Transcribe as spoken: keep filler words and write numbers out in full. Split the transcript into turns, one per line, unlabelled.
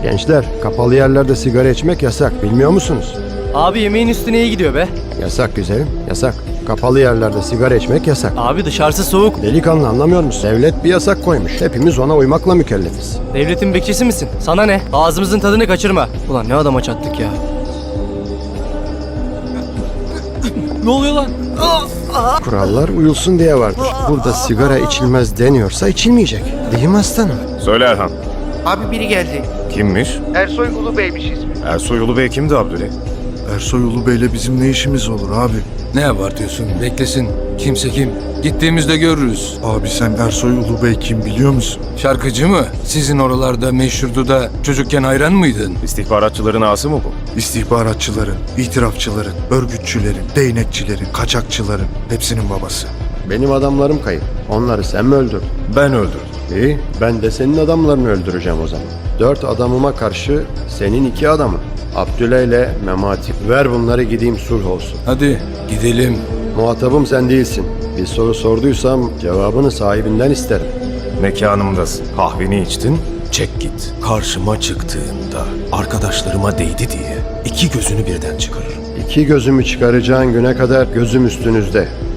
Gençler, kapalı yerlerde sigara içmek yasak, bilmiyor musunuz?
Abi yemeğin üstüne iyi gidiyor be.
Yasak güzelim, yasak. Kapalı yerlerde sigara içmek yasak.
Abi dışarısı soğuk.
Delikanlı, anlamıyor musun? Devlet bir yasak koymuş. Hepimiz ona uymakla mükellefiz.
Devletin bekçisi misin? Sana ne? Ağzımızın tadını kaçırma. Ulan ne adama çattık ya. Ne oluyor lan?
Kurallar uyulsun diye vardır. Burada sigara içilmez deniyorsa içilmeyecek. Değil mi aslanım?
Söyle Erhan.
Abi biri geldi.
Kimmiş?
Ersoy Ulubey'miş ismi.
Ersoy Ulubey kimdi Abdüley?
Ersoy Ulubey'le bizim ne işimiz olur abi?
Ne abartıyorsun? Beklesin. Kimse kim? Gittiğimizde görürüz.
Abi sen Ersoy Ulubey kim biliyor musun?
Şarkıcı mı? Sizin oralarda meşhurdu da çocukken hayran mıydın?
İstihbaratçıların ağası mı bu?
İstihbaratçıların, itirafçıların, örgütçülerin, değnekçilerin, kaçakçıların hepsinin babası.
Benim adamlarım kayıp. Onları sen mi öldürdün?
Ben öldürdüm.
İyi, ben de senin adamlarını öldüreceğim o zaman. Dört adamıma karşı senin iki adamın. Abdüley ile Memati. Ver bunları, gideyim, sulh olsun.
Hadi gidelim.
Muhatabım sen değilsin. Bir soru sorduysam cevabını sahibinden isterim.
Mekanımdasın. Kahveni içtin.
Çek git. Karşıma çıktığında arkadaşlarıma değdi diye iki gözünü birden çıkarırım.
İki gözümü çıkaracağın güne kadar gözüm üstünüzde.